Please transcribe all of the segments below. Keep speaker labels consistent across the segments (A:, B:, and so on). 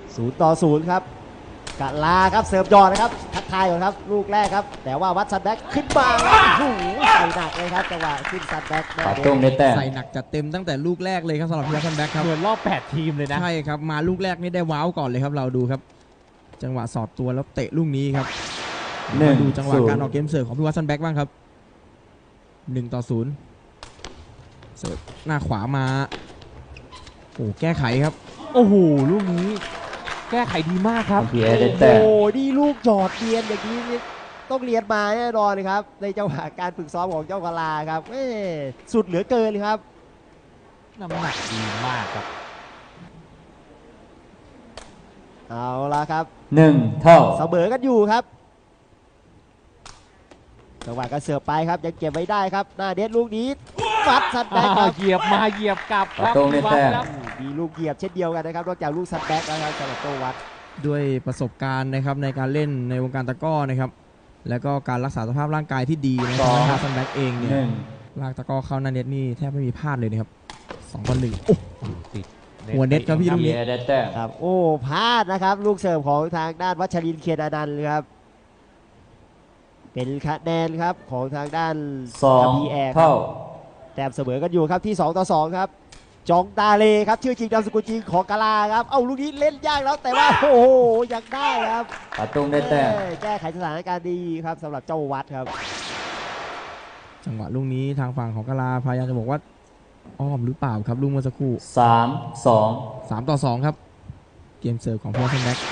A: 0-0ครับกะลาครับเสิร์ฟยอดนะครับทักทายก่อนครับลูกแรกครับแต่ว่าวัดซันแบ็กขึ้นมาโอ้โหใส่หนักเลยครับจังหวะขึ้นซันแบ็ก
B: ปาตุ้งได้แต้ม
C: ใส่หนักจัดเต็มตั้งแต่ลูกแรกเลยครับสำหรับพิวัตรซันแบ็กครับ
D: เหมือนรอบ8ทีมเลยนะ
C: ใช่ครับมาลูกแรกนี่ได้ว้าวก่อนเลยครับเราดูครับจังหวะสอดตัวแล้วเตะลูกนี้ครับมาดูจังหวะการออกเกมเสิร์ฟของพิวัตรซันแบ็กบ้างครับ1-0เสิร์ฟหน้าขวามาโอ้แก้ไขครับ
D: โอ้โหลูกนี้แก้ไขดีมากครับ
B: พีเอได้แต้ม
A: โอ้นี่ลูกหยอดเรียนอย่างนี้ต้องเรียนมาแน่นอนเลยครับในจังหวะการฝึกซ้อมของเจ้ากะลาครับสุดเหลือเกินเลยครับ
D: น้ำหนักดีมากครับ
A: เอาละครับ
B: 1 เท่า
A: เสมอกันอยู่ครับจังหวะการเสิร์ฟไปครับยังเก็บไว้ได้ครับหน้าเด็ดลูกนี้วัดซันแบ็กครับ
D: เหยียบมาเหยียบกลับครับ
A: มีลูกเหยียบเช่นเดียวกันนะครับนอกจากลูกซันแบ็กแล้วครับสำหรับโตวัด
C: ด้วยประสบการณ์นะครับในการเล่นในวงการตะกร้อนะครับแล้วก็การรักษาสภาพร่างกายที่ดีนะครับทางซันแบ็กเองเนี่ยลากตะกร้อเข้าหน้าเน็ตนี่แทบไม่มีพลาดเลยนะครับ2-1โอ้ติดหัวเน็ตครับพี่ลูกนี้
A: ครับโอ้พลาดนะครับลูกเสิร์ฟของทางด้านวัชรินทร์เคียนอนันต์ครับเป็นคะแนนครับของทางด้าน
B: 2 เท่า
A: แต้มเสมอกันอยู่ครับที่2-2ครับจองดาเลครับชื่อจริงนามสกุลจริงของกาลาครับเอาลูกนี้เล่นยากแล้วแต่ว่าโอ้โหยังได้ครับ
B: ปาตุ้งได้แต้ม
A: แก้ไขสถานการณ์ดีครับสำหรับเจ้าวัดครับ
C: จังหวะลูกนี้ทางฝั่งของกาลาพยายามจะบอกว่าอ้อมหรือเปล่าครับลูกเมื่อสักครู่
B: 3-2
C: ครับเกมเสิร์ฟของพิวัตรซันแบ็ก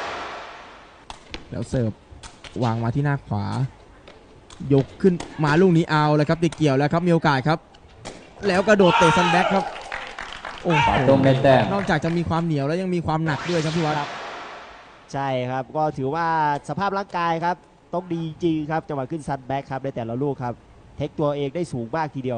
C: แล้วเสิร์ฟวางมาที่หน้าขวายกขึ้นมาลูกนี้เอาแล้วครับติดเกี่ยวแล้วครับมีโอกาสครับแล้วกระโดดเตะซันแบ็กครับโอ้โหนอกจากจะมีความเหนียวแล้วยังมีความหนักด้วยครับพี่วัด
A: ใช่ครับก็ถือว่าสภาพร่างกายครับต้องดีจริงครับจังหวะขึ้นซันแบ็กครับในแต่ละลูกครับเทคตัวเองได้สูงมากทีเดียว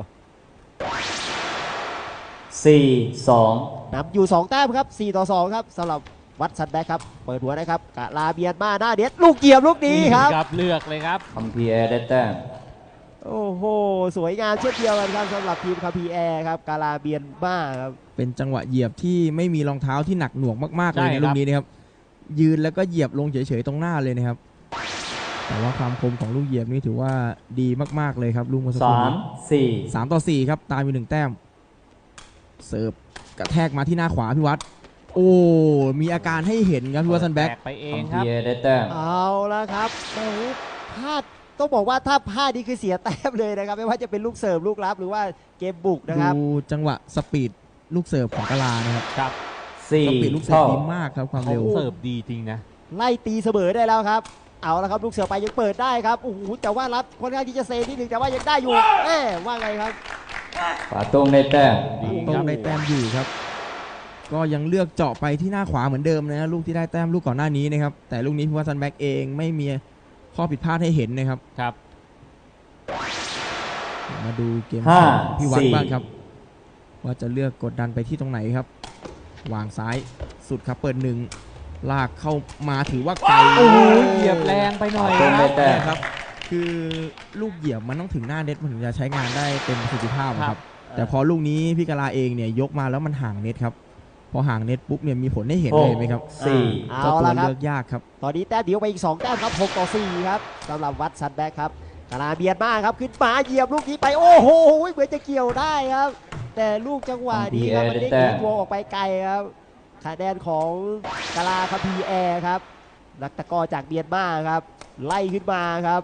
B: 4-2
A: นำอยู่2 แต้มครับ4-2ครับสำหรับวัดซันแบ็กครับเปิดหัวนะครับกะลาเบียนมาหน้าเด็ดลูกเกียบลูกนี้ครับ
D: เลือกเลยครับ
B: คัมพีแอร์ได้แต้ม
A: โอ้โหสวยงามเช่นเดียวกันครับสำหรับทีมคัมพีแอร์ครับกาลาเบียนมาครับ
C: เป็นจังหวะเหยียบที่ไม่มีรองเท้าที่หนักหน่วงมากๆเลยในลูกนี้นะครับยืนแล้วก็เหยียบลงเฉยๆตรงหน้าเลยนะครับแต่ว่าความคมของลูกเหยียบนี่ถือว่าดีมากๆเลยครับลูกเมื่อสักครู่นี้3-4ครับตามอยู่1 แต้มเสิร์ฟกระแทกมาที่หน้าขวาพี่วัดโอ้มีอาการให้เห็นครับพี่วัดซันแบ็ก
D: ไปเองครับ
B: ได้แต้ม
A: เอาละครับโอ้พลาดต้องบอกว่าถ้าพลาดนี่คือเสียแต้มเลยนะครับไม่ว่าจะเป็นลูกเสิร์ฟลูกรับหรือว่าเกมบุกนะครับ
C: ดูจังหวะสปีดลูกเสิร์ฟของกาลานะครับ
D: ครับ
C: สปีดลูกเสิร์ฟดีมากครับความเร็ว
D: เสิร์ฟดีจริงนะ
A: ไล่ตีเสมอได้แล้วครับเอาละครับลูกเสิร์ฟไปยังเปิดได้ครับโอ้โหแต่ว่ารับค่อนข้างที่จะเซนิดหนึ่งแต่ว่ายังได้อยู่ว่าไงครับ
B: ปาตุ้งได้แต้ม
C: ต้องได้แต้มอยู่ครับก็ยังเลือกเจาะไปที่หน้าขวาเหมือนเดิมนะลูกที่ได้แต้มลูกก่อนหน้านี้นะครับแต่ลูกนี้พิวัตรซันแบ็กเองไม่มีข้อผิดพลาดให้เห็นนะครับ
D: ครับ
C: มาดูเกมพี่วัดบ้างครับว่าจะเลือกกดดันไปที่ตรงไหนครับวางซ้ายสุดครับเปิด1ลากเข้ามาถือว่าไกล
D: โอ้เหยียบแรงไปหน่อย
C: ครับคือลูกเหยียบมันต้องถึงหน้าเน็ตมันถึงจะใช้งานได้เต็มประสิทธิภาพครับแต่พอลูกนี้พี่กาลาเองเนี่ยยกมาแล้วมันห่างเน็ตครับพอห่างเน็ตปุ๊บเนี่ยมีผลให้เห็นเลยไหมครับ
A: เอาละครับ
C: เลือกยากครับ
A: ตอนนี้แต้มเดียวไปอีก2 แต้มครับ6-4ครับสำหรับวัดซันแบ็กครับกาลาเบียนมากครับขึ้นมาเหยียบลูกนี้ไปโอ้โหเหมือนจะเกี่ยวได้ครับแต่ลูกจังหวะนี้ครับมันเด้งตัวออกไปไกลครับคะแนนของกาลาคัมพีแอร์ครับนักตะกร้อจากเบียนมาครับไล่ขึ้นมาครับ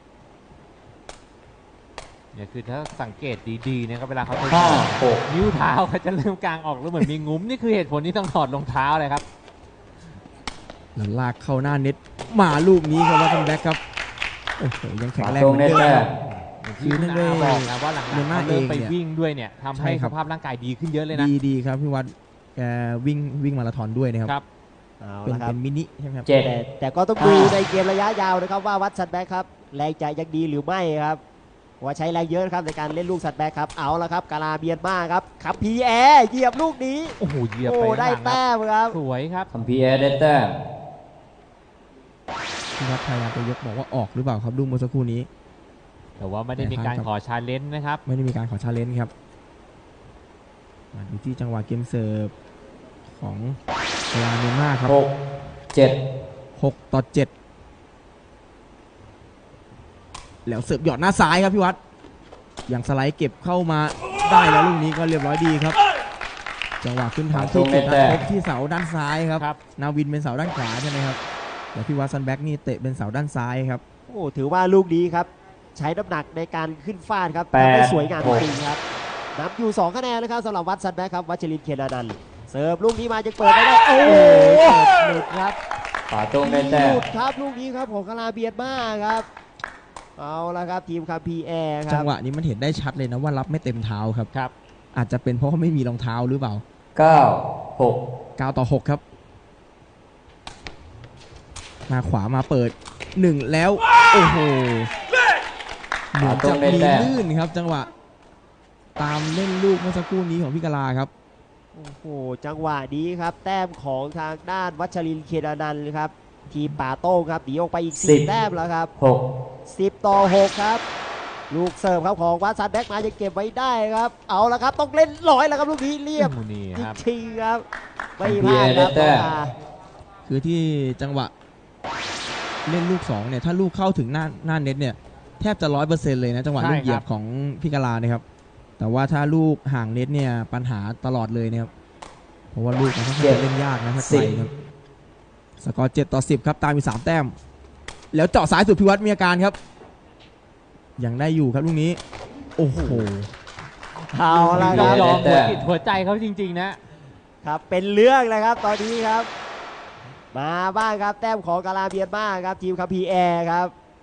D: เนี่ยคือถ้าสังเกตดีๆนะครับเวลาเขาจะนิ้วเท้าเขาจะเริ่มกลางออกแล้วเหมือนมีงุ้มนี่คือเหตุผลที่ต้องถอดรองเท้าเลยครับ
C: แล้วลากเข้าหน้าเน็ตมาลูกนี้ครับวัดซันแบ็กครับโอ้โหยังแข็งแรงเหมือนเดิม
D: คือนั่นเลยบอกนะว่าหลังๆเขาเริ่มไปวิ่งด้วยเนี่ยทำให้สภาพร่างกายดีขึ้นเยอะเลยนะ
C: ดีครับพี่วัดแกวิ่งมาราธอนด้วยนะครับเป็นมินิใช่ไหมครับ
A: แต่ก็ต้องดูในเกมระยะยาวนะครับว่าวัดซันแบ็กครับแรงใจยังดีหรือไม่ครับว่าใช้แรงเยอะครับในการเล่นลูกซันแบ็กครับเอาละครับกาลาเบียนมาครับคัมพีแอร์เหยียบลูกนี้
D: โอ้โหเหยียบไป
A: ได้แต้มครับ
D: สวยครับ
B: คัมพีแอร์ได้แต้ม
C: พี่วัดพยายามจะยกบอกว่าออกหรือเปล่าครับลูกเมื่อสักครู่นี้
D: แต่ว่าไม่ได้มีการขอชาเลนจ์นะครับ
C: ไม่ได้มีการขอชาเลนจ์ครับมาดูที่จังหวะเกมเสิร์ฟของเวลาเมียนมาครับ
B: 6 7
C: 6-7 แล้วเสิร์ฟหยอดหน้าซ้ายครับพี่วัดอย่างสไลด์เก็บเข้ามาได้แล้วลูกนี้ก็เรียบร้อยดีครับจังหวะขึ้นทางที่จุดนัดพบที่เสาด้านซ้ายครับ
D: ครับ
C: นาวินเป็นเสาด้านขวาใช่ไหมครับแต่พี่วัดซันแบ็กนี่เตะเป็นเสาด้านซ้ายครับ
A: โอ้ถือว่าลูกนี้ครับใช้น้ำหนักในการขึ้นฟาดครับ
B: แปด
A: ทำได้สวยงาม
B: หก
A: จริงๆครับนับอยู่2คะแนนนะครับสำหรับวัดซันแบ็คครับวัชรินทร์เคนอนันท์เสิร์ฟลูกนี้มาจะเปิดไม่ได้โอ้โหหลุดครับ
B: ป่าตรงได้แต้
A: ห
B: ม
A: ลุดครับลูกนี้ครับของคาราเบียดมาครับเอาละครับทีมคัมพีแอร์ค
C: จั
A: รับ
C: งหวะนี้มันเห็นได้ชัดเลยนะว่ารับไม่เต็มเท้าครับ
D: ครับ
C: อาจจะเป็นเพราะว่าไม่มีรองเท้าหรือเปล่า
B: 9 6
C: 9-6 ครับมาขวามาเปิด 1 แล้ว โอ้โหเหมือนจะมีลื่นครับ จังหวะตามเล่นลูกเมื่อสักครู่นี้ของพี่กะลาครับ
A: โอ้โหจังหวะนี้ครับแต้มของทางด้านวัชรินทร์เคนอนันท์ครับทีมป่าโต้งครับหนีออกไปอีก4แต้มแล้วครับ
B: 6
A: 10-6 ครับ ลูกเสิร์ฟครับของวัดซันแบ็กมาจะเก็บไว้ได้ครับ เอาละครับต้องเล่นร้อยแล้วครับลูกนี้เรียบ
D: นี่
A: จ
D: ครับ
A: ริงๆครับไม่พลาดครับต้องมา
C: คือที่จังหวะเล่นลูก2เนี่ยถ้าลูกเข้าถึงหน้าเน็ตเนี่ยแทบจะ100%เลยนะจังหวะ
D: ใช่
C: ลูกเหยีย
D: ครับ บ
C: ของพี่กะลานะครับแต่ว่าถ้าลูกห่างเน็ตเนี่ยปัญหาตลอดเลยนะครับเพราะว่าลูกมันค่อนข้างจะเล่นยากนะถ้าไกลครับสกอร์7-10ครับตามอยู่3แต้มแล้วเจาะซ้ายสุดพิวัตรมีอาการครับยังได้อยู่ครับลูกนี้โอ้โห
A: เอาละค
D: ต้อ
A: รั
D: ง
A: บ
D: ยอม
B: แต้
D: หัว
B: ม
D: จิตหัวใจเขาจริง ๆ นะครับ
A: เป็นเรื่องเลยครับตอนนี้ครับ มาบ้างครับแต้มของกาลาเบียนมาครับทีมคัมพีแอร์ครับ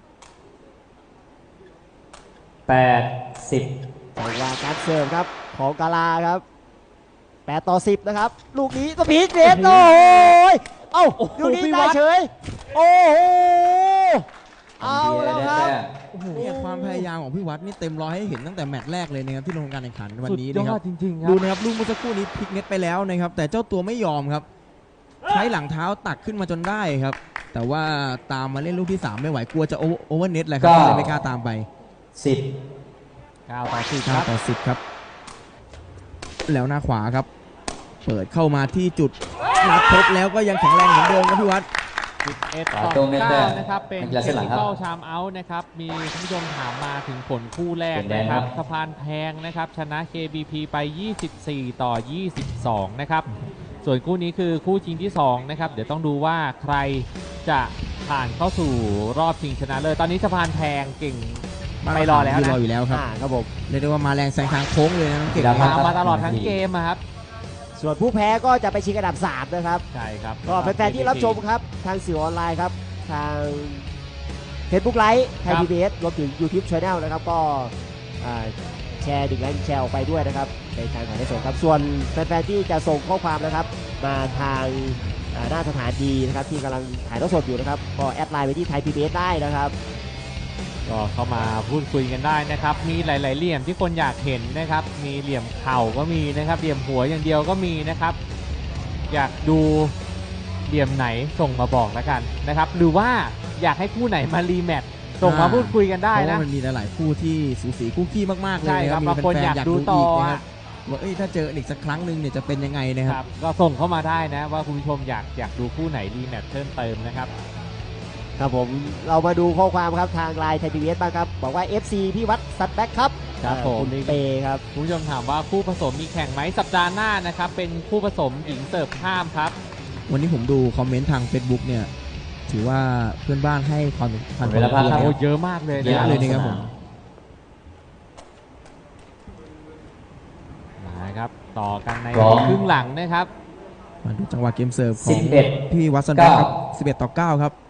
B: 8 10
A: จังหวะการเสิร์ฟครับของกาลาครับ8-10นะครับลูกนี้สปีดเรสโอ้ยเอ้าลูกนี้ได้เฉยโอ้โหเอาแล้วครับ
C: เนี่ยความพยายามของพี่วัดนี่เต็มร้อยให้เห็นตั้งแต่แมตช์แรกเลยนะครับที่ลงการแข่งขันวัน
D: สุด
C: นี้
D: ย
C: นะค
D: อ
C: รั
D: ด
C: บ
D: จริง ๆ ครั
C: ดู
D: บ
C: นะครับลูกเมื่อสักครู่นี้พลิกเน็ตไปแล้วนะครับแต่เจ้าตัวไม่ยอมครับใช้หลังเท้าตักขึ้นมาจนได้ครับแต่ว่าตามมาเล่นลูกที่ 3 ไม่ไหวกลัวจะโอเวอร์เน็ตแหละครับก็เลยไม่กล้าตามไป
B: 10
D: 9-10 ครับ
C: 9-10 ครับแล้วหน้าขวาครับเปิดเข้ามาที่จุดนัดพบแล้วก็ยังแข็งแรงเหมือนเดิมครับพี่วัด
D: 11-9 นะครับ เป็น
B: นักกีฬา
D: เท
B: เส้น
D: คน
B: หลัง
D: นิ
B: ครับ
D: คอลชามเอาท์นะครับ มีคุณผู้ชมถามมาถึงผลคู่แรก
B: เป็นแดง
D: นะค
B: ครั
D: รับ บสะพานแพงนะครับ ชนะ KBP ไป 24-22 นะครับ ส่วนคู่นี้คือคู่ชิงที่ 2 นะครับ เดี๋ยวต้องดูว่าใครจะผ่านเข้าสู่รอบชิงชนะเลิศตอนนี้สะพานแพงเก่งไปรอแล้ว
C: ยืน
D: นะ
C: รออยู่แล้วครับ
A: ครับผม
C: เรียกได้ว่ามาแรงแซงทางโค้งเลยนะน้องเก่ง
B: ครับ
C: ค
D: ตา
C: รับ
D: มมาตลอดทั้งเกมอะครับ
A: ส่วนผู้แพ้ก็จะไปชิงอันดับ 3 นะครับ
D: ใช่ครับ
A: ก็แฟนๆที่รับชมครับ ทางสื่อออนไลน์ครับ ทาง Facebook ไลฟ์ไทย
D: ครั
A: พี
D: บ
A: บีเอสรวมถึง YouTube Channel นะครับ ก็แชร์ดิ่งไลค์แชร์ออกไปด้วยนะครับ ในการถ่ายทอดสดครับ ส่วนแฟนๆที่จะส่งข้อความนะครับ มาทางหน้าสถานีนะครับ ที่กำลังถ่ายทอดสดอยู่นะครับ ก็แอดไลน์ไปที่ไทยพีบีเอสได้นะครับ
D: ก็เข้ามาพูดคุยกันได้นะครับ มีหลาย ๆ เหลี่ยมที่คนอยากเห็นนะครับ มีเหลี่ยมเข่าก็มีนะครับ เหลี่ยมหัวอย่างเดียวก็มีนะครับ อยากดูเหลี่ยมไหนส่งมาบอกแล้วกันนะครับ หรือว่าอยากให้คู่ไหนมารีแมตช์ส่งมาพูดคุยกันได้
C: เพราะ
D: นะ
C: ว่ามันมีหลายๆคู่ที่สูสีคู่ขี้มากๆเลย
D: ใช่
C: นะ
D: ค
C: ค
D: รั
C: รั
D: บบ บางคน
C: มีแฟ
D: อยาก
C: ๆ
D: ดูต่อ
C: นะค
D: อะ
C: รับว่าถ้าเจออีกสักครั้งหนึ่งเนี่ยจะเป็นยังไงนะค
D: ครับ รับ ก็ส่งเข้ามาได้นะ ว่าคุณผู้ชมอยากดูคู่ไหนรีแมตช์เพิ่มเติมนะครับ
A: ครับผมเรามาดูข้อความครับทางไลน์ไทยพีบีเอสบ้างครับ บอกว่า FC พี่วัดซัดแบ็คครับ
D: ครับผม
A: คุณเปครับ
D: คุณผู้ชมถามว่าคู่ผสมมีแข่งไหมสัปดาห์หน้านะครับ เป็นคู่ผสมหญิงเสิร์ฟข้ามครับ
C: วันนี้ผมดูคอมเมนต์ทาง Facebook เนี่ยถือว่าเพื่อนบ้านให้ความสำคัญ
B: เวลาพักครับ
D: โอ้เยอะมากเลย
C: เยอะ
D: นะ
C: เลยนะครับผม
D: มาครับต่อกันใน
B: พร้อม
D: ครึ่งหลังนะครับ
C: มาดูจังหวะเกมเสิร์ฟของ
B: 11
C: พี่วัตสันแบ็คครับ11-9 ครับ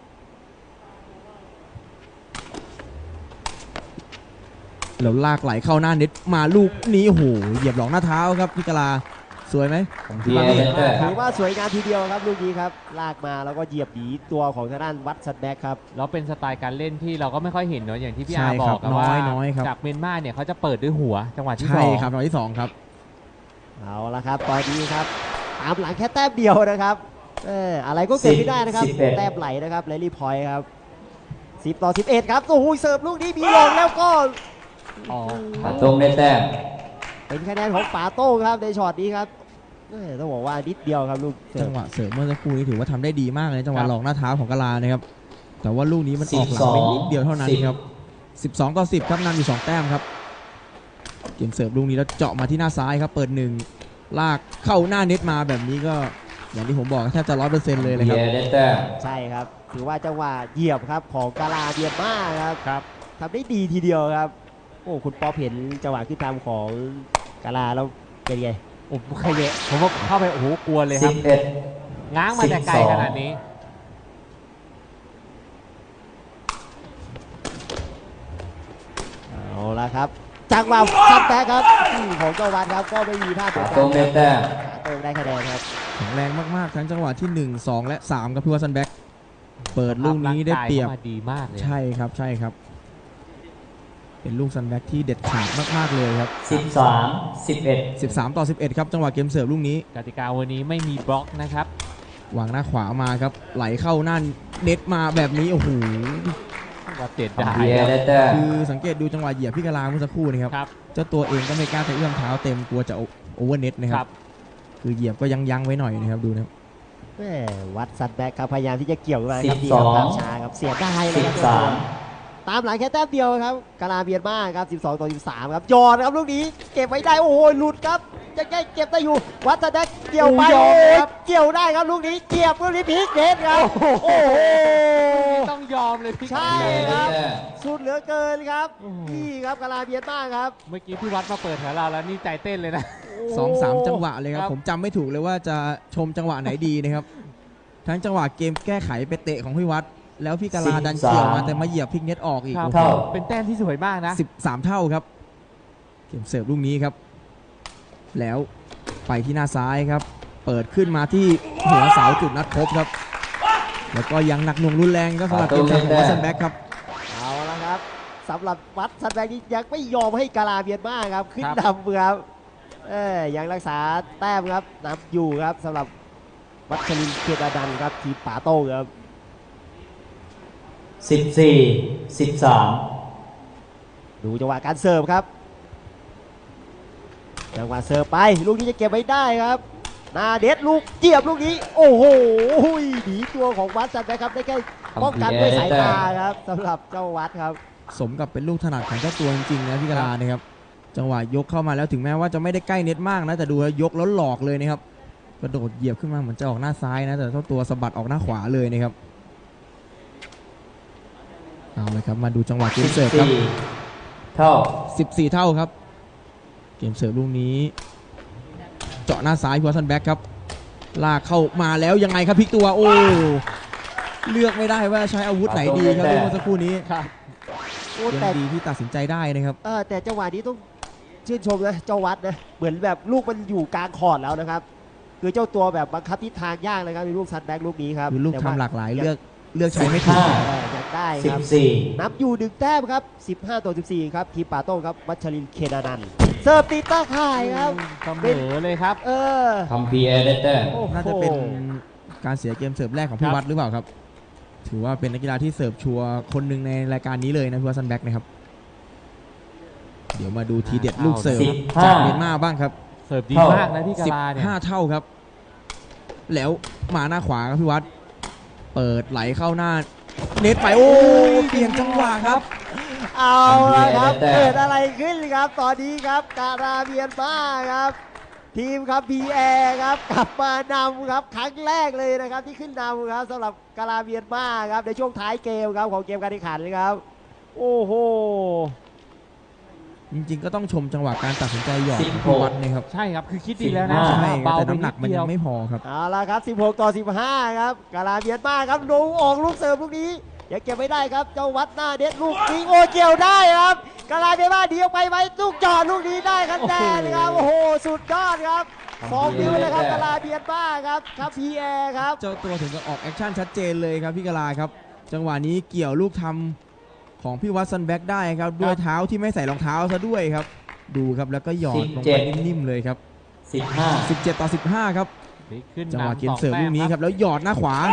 C: แล้วลากไหลเข้าหน้าเน็ตมาลูกนี้โอ้โหเหยียบหลอกหน้าเท้าครับพี่กะลาสวยไหม
B: เบียร์เดนเตอร์
A: ถือว่าสวยงามทีเดียวครับลูกนี้ครับลากมาแล้วก็เหยียบหนีตัวของทางด้านวัดซัดแบ็คครับ
D: แล้วเป็นสไตล์การเล่นที่เราก็ไม่ค่อยเห็นเนาะอย่างที่พี่
C: ใช่
D: อาบ
C: ค
D: อ
C: รั
D: กอะว่า
C: น้อยครับ
D: จากเมียนมาเนี่ยเขาจะเปิดด้วยหัวจังหวะที่ส
C: ใช่
D: อง
C: ครับรอบที่ 2 ครับ
A: เอาละครับตอนนี้ครับตามหลังแค่แต้มเดียวนะครับอะไรก็เกิดขึ้นได้นะครับ
B: 11
A: แต้มไหลนะครับเลลี่พอยต์ครับ10-11ครับโอ้โหเสิร์ฟลูกนี้มีลงแล้วก็
D: อ๋อ
B: ป่าตรงได้แต้ม
A: เป็นคะแนนของป๋าโต้งครับในช็อตนี้ครับต้องบอกว่านิดเดียวครับลูกเสิ
C: จั
A: ร์
C: ง
A: ฟ
C: หวะเสริมเมื่อสักครู่นี้ถือว่าทำได้ดีมากเลยจังหวะ
D: ครับ
C: หลอกหน้าเท้าของกาลานะครับ แต่ว่าลูกนี้มันออกหลังไปนิดเดียวเท่านั้นครับ 12-10 ครับนำอยู่ 2 แต้มครับเกมเสิร์ฟลูกนี้แล้วเจาะมาที่หน้าซ้ายครับเปิด1ลากเข้าหน้าเน็ตมาแบบนี้ก็อย่างที่ผมบอกแทบจะ 100% เลยนะ
B: เบี
C: ครับ
B: ยร์ได้แต้ม
A: ใช่ครับถือว่าจังหวะเหยียบครับของกาลาเบียนมาครับ
D: ครับ
A: ทำได้ดีทีเดียวครับโอ้คุณป๊อปเห็นจังหวะขึ้นทำของกาลาแล้วเป็นไง
D: ผมเคยเนี่ยผมว่าเข้าไปโอ้โหกลัวเลยค
B: สิ
D: รั
B: บบ เอ็ด
D: ง้างมาแต่ไกล
B: 12
D: ขนาดนี้
A: เอาละครับจังหวะซัดแบ็คครับของเจ้าวันครับก็ไม่มีพลาดเหมือนกั
B: ตรงได้แต้ม
A: เติมได้คะแนนครับ
C: แข็งแรงมากๆทั้งจังหวะที่ 1 2 และ 3 ครับพี่วัสันแบ็กเปิดลูกนี้ได้เปรียบ
D: ภาพร่างกาข้ามาดีมากเลย
C: ใช่ครับใช่ครับ เป็นลูกซันแบ็กที่เด็ดขาดมากๆเลยครับ
B: 13 11
C: 13-11 ครับจังหวะเกมเสิร์ฟลูกนี้
D: กติกาวันนี้ไม่มีบล็อกนะครับ
C: วางหน้าขวามาครับไหลเข้าหน้าเน็ตมาแบบนี้โอ้โห
D: ว่าเสียดาย
B: เบีย
D: ค
B: ร์
D: รับ
B: ได้แต้ม
C: คือสังเกตดูจังหวะเหยียบพี่กาลาเมื่อสักครู่นะครับ
D: ครับ
C: เจ้าตัวเองก็ไม่กล้าจะเอื้อมเท้าเต็มกลัวจะโอเวอร์เน็ตนะค
D: ครั
C: รับ บคือเหยียบก็ยั้งไว้หน่อยนะครับดูนะครับ
A: แม่วัดซัดแบ็คครับพยายามที่จะเกี่ยวมาครับ
B: 12
A: ดีครับภาพช้าครับเสียได้เลยครับ
B: 13
A: ตามหลังแค่แต้มเดียวครับกาลาเบียนมาครับ12-13ครับยอดครับลูกนี้เก็บไว้ได้โอ้โหหลุดครับจะแก้เก็บได้อยู่วัดซัดแบ็คเกี่ยวไป
D: โอ้
A: โอ้
D: ย
A: ย
D: ครับ
A: เกี่ยวได้ครับลูกนี้เกี่ยวลูกนี้พลิกเน็ตครับโอ้โห
D: ต้องยอมเลยพี่
A: ใช่
B: เบียร์
A: ค
B: ได้
A: รับ
B: แต้ม
A: สุดเหลือเกินครับ
D: โอ้โห
A: นี่ครับกาลาเบียนมาครับ
D: เมื่อกี้พี่วัดมาเปิดแถวเราแล้วนี่ใจเต้นเลยนะ
C: 2-3 จังหวะเลยครับ
D: ครับ
C: ผมจำไม่ถูกเลยว่าจะชมจังหวะไหนดีนะครับ ทั้งจังหวะเกมแก้ไขไปเตะของพี่วัด แล้วพี่กาลาดันเกี่ยวมาแต่มาเหยียบพลิกเน็ตออกอีก
D: ครับ
C: โอ้โห
B: เท่า
D: เป็นแต้มที่สวยมากนะ
C: 13 เท่าครับ เกมเสิร์ฟลูกนี้ครับ แล้วไปที่หน้าซ้ายครับ เปิดขึ้นมาที่หัวเสาจุดนัดพบครับ แล้วก็ยังหนักหน่วงรุนแรงก็สำหรับเกมเสิร์ฟของวัสันแบ็กครับ
A: เอาละครับสำหรับวัดซัดแบ็กนี่ยังไม่ยอมให้กาลาเบียนมาครับขึ้น
D: ครับ
A: นำครับยังรักษาแต้มครับนำอยู่ครับสำหรับวัชรินทร์เกียรติอนันต์ครับทีมป่าโต้งครับ
B: 14 13
A: ดูจังหวะการเสิร์ฟครับจังหวะเสิร์ฟไปลูกนี้จะเก็บไว้ได้ครับนาเด็ดลูกเจียบลูกนี้โอ้โหหนีตัวของวัดซัดแบ็กครับได้แค่ป้องกันด้วยสายตาครับสำหรับเจ้าวัดครับ
C: สมกับเป็นลูกถนัดของเจ้าตัวจริงๆนะพี่กาลานะครับ จังหวะยกเข้ามาแล้วถึงแม้ว่าจะไม่ได้ใกล้เน็ตมากนะแต่ดูแล้วยกแล้วหลอกเลยนะครับกระโดดเหยียบขึ้นมาเหมือนจะออกหน้าซ้ายนะแต่เจ้าตัวสะบัดออกหน้าขวาเลยนะครับเอาเลยครับมาดูจังหวะเกมเสิร์ฟครับ
B: 14 เท่า
C: 14 เท่าครับ เกมเสิร์ฟลูกนี้ เจาะหน้าซ้ายพิวัสันแบ็กครับลากเข้ามาแล้วยังไงครับพลิกตัวโอ้เลือกไม่ได้ว่าใช้อาวุธไหนดีครับเมื่อสักครู่นี้
D: ครับ
A: โอ้
C: ยัง
A: แต่
C: ดีที่ตัดสินใจได้นะครับ
A: แต่จังหวะนี้ต้องชื่นชมนะเจ้าวัดนะเหมือนแบบลูกมันอยู่กลางคอร์ดแล้วนะครับคือเจ้าตัวแบบบังคับทิศทางยากเลยครับในลูกซัดแบ็กลูกนี้ครับ
C: คือลูก
A: แต่
C: ทำ
A: ว่า
C: หลากหลายเลือกใช้ไม่ถูก
A: อยากได้ครับ
B: 14
A: นับอยู่1แต้มครับ15-14ครับทีมป่าโต้งครับวัชรินทร์เคนนันท์เสิร์ฟตีตาข่ายครับ
D: เสมอเลยครับ
B: คำพีแอร์ได้แต้ม
A: โอ้โห
C: น่าจะเป็นการเสียเกมเสิร์ฟแรกของพี่
D: ครับ
C: วัดหรือเปล่าครับ ถือว่าเป็นนักกีฬาที่เสิร์ฟชัวร์คนหนึ่งในรายการนี้เลยนะพี่วัดซันแบ็กนะครับ เดี๋ยวมาดูทีเด็ดลูกเสิร์ฟ
B: 15
C: จากเมียนมาบ้างครับ
D: เสิร์ฟดีมากนะพี่กาลาเนี่ย
C: 15 เท่าครับ แล้วมาหน้าขวาครับพี่วัด เปิดไหลเข้าหน้า เน็ตไปโอ้เปลี่ยนจังหวะครับ
A: เอาละครับ
B: แต่
A: เกิดอะไรขึ้นครับตอนนี้ครับกาลาเบียนมาครับ ทีมครับพีแอครับกลับมานำครับครั้งแรกเลยนะครับที่ขึ้นนำครับสำหรับกาลาเบียนมาครับในช่วงท้ายเกมครับของเกมการแข่งขันเลยครับ โอ้โห
C: จริงๆก็ต้องชมจังหวะการตัดสินใจหยอดของพี่วัดนะครับ
D: ใช่ครับคือคิดดีแล้วนะ
B: 15
C: ใช่ครับ
D: เบา
C: แต่
D: ไป
C: น้ำหนักมัน
D: เดี
C: ยั
D: ยว
C: งไม่พอครับ
A: เอาละครับ16-15ครับกาลาเบียนมาครับดูออกลูกเสิร์ฟลูกนี้ยังเก็บไม่ได้ครับเจ้าวัดหน้าเด็ดลูกยิงโอเกี่ยวได้ครับกาลาเบียนมาเดียวไปไว้ลูกจอดลูกนี้ได้คะแนนครับโอ้โหสุดยอดครับ2 นิ้วนะครับกาลาเบียนมาครับครับพีแอครับ
C: เจ้าตัวถึงกับออกแอคชั่นชัดเจนเลยครับพี่กะลาครับ จังหวะนี้เกี่ยวลูกทำของพี่วัตสันแบ็กได้ครับด้วยเท้าที่ไม่ใส่รองเท้าซะด้วยครับ ดูครับแล้วก็หยอดลงไปนิ่มๆเลยครับ
B: 15
C: 17-15 ครับ
D: ขึ้น
C: จังหวะ
D: นำ
C: เกมเสิร์ฟลูกนี้ครับแล้วหยอดหน้าขวา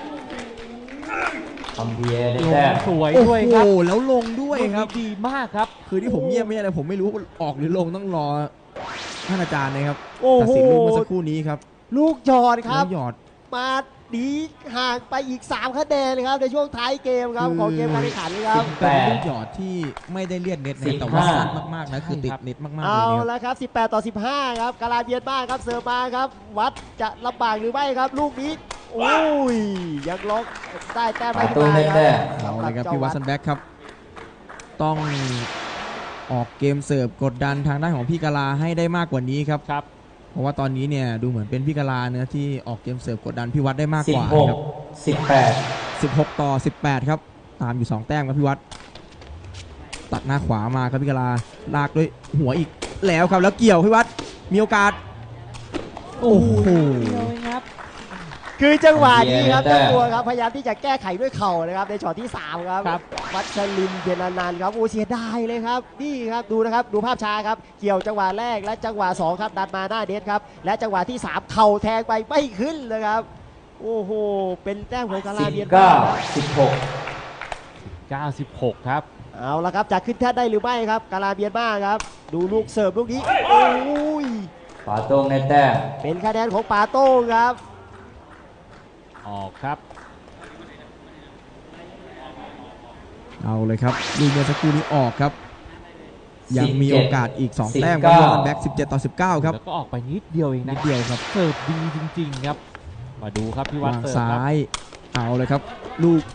B: คำพีแอร์ได้
D: ลง
B: แต้ม
D: สวย
C: โอ้
D: ด้วย
C: โห
D: ครับ
C: แล้วลงด้วยครับ
D: ดีมากครับ
C: คือที่ผมเงียบไม่ใช่อะไรผมไม่รู้ออกหรือลงต้องรอท่านอาจารย์นะครับ
A: โอ้
C: ตัด
A: โห
C: สินลูกเมื่อสักครู่นี้ครับ
A: ลูกหยอดครับ
C: แล้วหยอด
A: มาดีห่างไปอีก3คะแนนเลยครับในช่วงท้ายเกมครับของเกมการแข่งขันครับ
C: เป็นลูกหยอดที่ไม่ได้เลียดเน็ตนะแต่ว่าสั้นมากๆนะคือติดเน็ตมากๆ
A: เอา
C: เลยนะครับ
A: แล้วครับ18 ต่อ 15ครับกาลาเบียนบ้างครับเสิร์ฟมาครับวัดจะลำบากหรือไม่ครับลูกนี้โอ้ยยังล็อกได้แต้ม
B: ประ
A: ไม่
B: ตู
A: ได้
B: เน็ต
A: ค
B: แต้
A: รับ
B: ม
C: เอาเลยครับพี่วัตสันแบ็คครับ ต้องออกเกมเสิร์ฟกดดันทางด้านของพี่กาลาให้ได้มากกว่านี้ครับ
D: ครับ
C: เพราะว่าตอนนี้เนี่ยดูเหมือนเป็นพี่กาลาเนะที่ออกเกมเสิร์ฟกดดันพี่วัดได้มาก
B: สิ
C: ก
B: บ
C: ว่า
B: หก
C: ครับ
B: 18
C: 16 ต่อ 18 ครับ ตามอยู่ 2 แต้มครับพี่วัด ตัดหน้าขวามาครับพี่กาลาลากด้วยหัวอีกแล้วครับแล้วเกี่ยวพี่วัดมีโอกาส โอ้โห
A: คือจังหวะนี้ครับ
B: เบียร์
A: เจ้า
B: ได้
A: ตัวครับพยายามที่จะแก้ไขด้วยเข่านะครับในช็อตที่3ครับ
D: ครับ
A: วัชรินทร์เย็นนันท์ครับโอ้เสียดายเลยครับนี่ครับดูนะครับดูภาพช้าครับเกี่ยวจังหวะแรกและจังหวะ2ครับดันมาหน้าเน็ตครับและจังหวะที่3เข่าแทงไปไม่ขึ้นเลยครับโอ้โหเป็นแต้มของกาลาเบียนบ้างครับ
D: 96 ครับ
A: เอาละครับจะขึ้นแท่นได้หรือไม่ครับกาลาเบียนบ้างครับดูลูกเสิร์ฟลูกนี้โอ้ย
B: ปาโต้งเน็ตแต้ม
A: เป็นคะแนนของปาโต้งครับ
D: ออกครับ
C: เอาเลยครับลูกเมื่อสักครู่นี้ออกครับ ยังมีโอกาสอีก 2 แต้มครับพี่วัดแบ็ค17 ต่อ 19 ครับ
D: แล้วก็ออกไปนิดเดียวเอง
C: นิ
D: นะ
C: ดเดียวครับ
D: เสิร์ฟดีจริงๆครับ มาดูครับพี่วัด
C: วาง
D: เสิร์ฟ
C: ซ้า
D: ครับ
C: ยเอาเลยครับ ลูก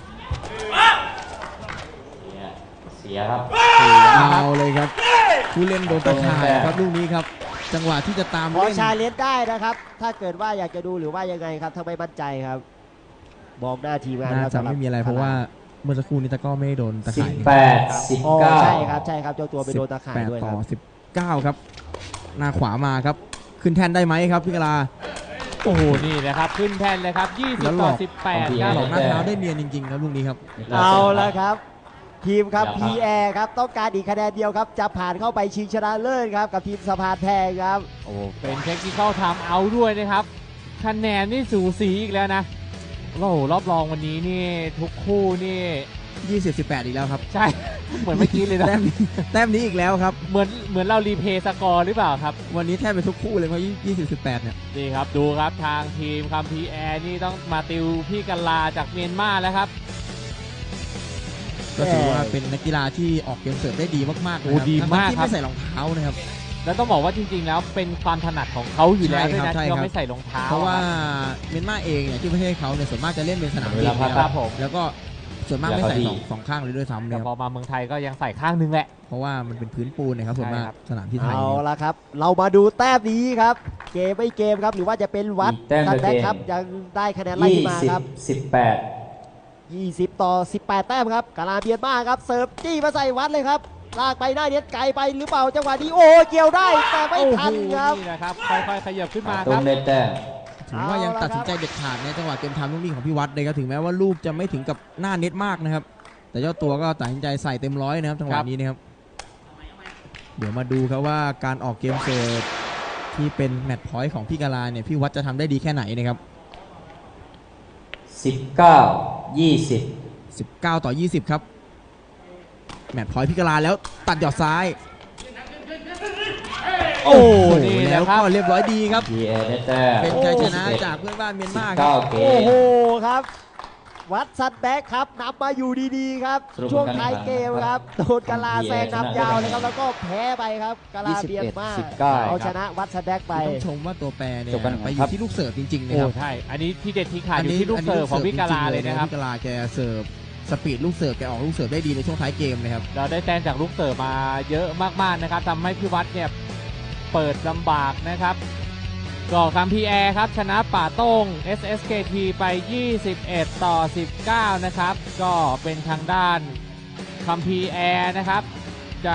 B: เสียครับ
C: เอาเลยครับผู้เล่นโดนตะข่ายครับลูกนี้ครับ จังหวะที่จะตาม
A: ขอ
C: เล่น
A: ชาเลนจ์ได้นะครับ ถ้าเกิดว่าอยากจะดูหรือว่ายังไงครับถ้าไม่มั่นใจครับมองหน้าทีมงาน
C: น่า
A: ครับ
C: จะ
A: สำหบ
C: ไม่มีอะไรเพราะว่าเมื่อสักครู่นี้ตะกร้อไม่ได้โดนตะข่ายนะครับ
A: อ๋อ
B: 18
A: ใช่ครับใช่ครับเจ้าตัวไปโดนตาข่ายด้วย
C: 18
A: ค
C: ต่
A: รั
C: อบ 19 ครับ หน้าขวามาครับ ขึ้นแท่นได้ไหมครับพี่กะลา
D: โอ้โห นี่นะครับ ขึ้นแท่นเลยครับ
C: แล้ว
D: 20
C: หล
D: ต่
C: อ
D: อ
C: ก
D: 18 ครับ
C: หลอกหน้าเท้าได้เนียนจริงๆครับลูกนี้ครับ
A: เอาละครับ ทีมครับ
B: ครับ
A: PR ครับต้องการอีกคะแนนเดียวครับจะผ่านเข้าไปชิงชนะเลิศครับกับทีมสะพานแพงครับ
D: โอ้โหเป็นเทคนิคเข้าไทม์เอาท์ด้วยนะครับ คะแนนนี่สูสีอีกแล้วนะ โอ้โห รอบรองวันนี้นี่ทุกคู่นี่
C: 20-18 อีกแล้วครับ
D: ใช่ เหมือนเมื่อกี้เลยนะ
C: แต้มนี้อีกแล้วครับ
D: เหมือนเรารีเพย์สกอร์หรือเปล่าครับ
C: วันนี้แทบเป็นทุกคู่เลยเพราะ20-18 เนี่ย
D: นี่ครับดูครับทางทีมคัมพีแอร์นี่ต้องมาติวพี่กัลลาจากเมียนมาแล้วครับ
C: ก็ถือว่าเป็นนักกีฬาที่ออกเกมเสิร์ฟได้ดีมากๆนะ
D: โอ้
C: ครับ
D: ดีมาก
C: ทั้งๆที่
D: ครับ
C: ไม่ใส่รองเท้านะครับ
D: แล้วต้องบอกว่าจริงๆแล้วเป็นความถนัดของเขาอยู่แล้วด้วยนะ
C: ใช่
D: ที่
C: ครับ
D: เขาไม่ใส่รองเท้า
C: เพราะว่าเมียนมาเองเนี่ยที่ประเทศเขาเนี่ยส่วนมากจะเล่นเป็นสนาม
B: เว
C: เดีย
B: ลาว พัก
C: นะ
D: ค
C: ค
D: รั
C: รั
D: บบ ผม
C: แล้วก็ส่วนมากไม่ใส่
B: แล้วเขาดี
C: สองข้างเลยด้วยซ้ำ
D: แต่
C: นะค
D: พ
C: รั
D: อบ มาเมืองไทยก็ยังใส่ข้างนึงแหละ
C: เพราะว่ามันเป็นพื้นปูนนะครับส่วนมาก
D: ใช่ครับ
C: สนามที่ไทย
A: เอา
C: เนี่ย
A: ละครับ เรามาดูแต้มนี้ครับ เกมไม่เกมครับ หรือว่าจะเป็นวัด
B: อีกแต้ม
A: ตัด
B: เดียว
A: แบ็ค
B: เกม
A: ครับยังได้คะแนนไล่ขึ้นมาครับ
B: 20
A: 20 ต่อ 18 แต้มครับกาลาเบียนมาครับเสิร์ฟจี้มาใส่วัดเลยครับลากไปหน้าเน็ตไกลไปหรือเปล่าจังหวะนี้โอ้เกี่ยวได้แต่ไม่
D: โอ้โห
A: ทันครับ
D: นี่นะครับค่อยๆขยับขึ้น
B: 18
D: มา
B: ปา
D: ค
B: โต้
D: รั
B: ง
D: บ
B: เน็ตแต้ม
C: ถือว่ายังตัดสินใจเด็ดขาดในจังหวะเกมทำลูกนี้ของพี่วัดเลยครับถึงแม้ว่าลูกจะไม่ถึงกับหน้าเน็ตมากนะครับ แต่เจ้าตัวก็ตัดสินใจใส่เต็มร้อยนะครับจังหวะนี้นะครับ เดี๋ยวมาดูครับว่าการออกเกมเสิร์ฟที่เป็นแมตช์พอยต์ของพี่กาลาเนี่ยพี่วัดจะทำได้ดีแค่ไหนนะครับ
B: 19 20
C: 19 ต่อ 20 ครับ แมตช์พอยต์พี่กาลาแล้วตัดหยอดซ้าย
D: โอ้นี่
C: แล้ว
D: นะครับ
C: ก็เรียบร้อยดีครับ
B: PA ได้แต้ม
C: เป็นชัยชนะ
B: 11
C: จากเพื่อนบ้านเมียนมาครับ
B: 19 เก
A: โอ้
B: ม
A: โหครับ วัดซัดแบ็คครับนำมาอยู่ดีๆครับ
B: สรุป
A: ช่วง
B: ผลการ
A: ท้ายเกมครับโดนกาลาแซงนำยาวเลยครับแล้วก็แพ้ไปครับกาลาเบียนมา
B: 21-19
A: เอาชนะวัดซัดแบ็คไป
C: ต้องชมว่าตัวแปรเนี่ย
B: จบการแข่งขัน
C: ไปอ
B: ครั
C: ยู่
B: บ
C: ที่ลูกเสิร์ฟจริงๆนะ
D: โอ้
C: ครับ
D: ใช่ อันนี้ที่เด็ดที่ขาดอยู่ที่ลูกเสิร์ฟของพี่กาลาเลยนะครับ
C: พี่กาลาแกเสิร์ฟสปีดลูกเสิร์ฟแกออกลูกเสิร์ฟได้ดีในช่วงท้ายเกมนะครับ
D: เราได้แต้มจากลูกเสิร์ฟมาเยอะมากๆนะครับทำให้พี่วัดเนี่ยเปิดลำบากนะครับก็คัมพีแอร์ครับชนะป่าโต้ง SSKT ไป 21 ต่อ 19 นะครับ ก็เป็นทางด้านคัมพีแอร์นะครับ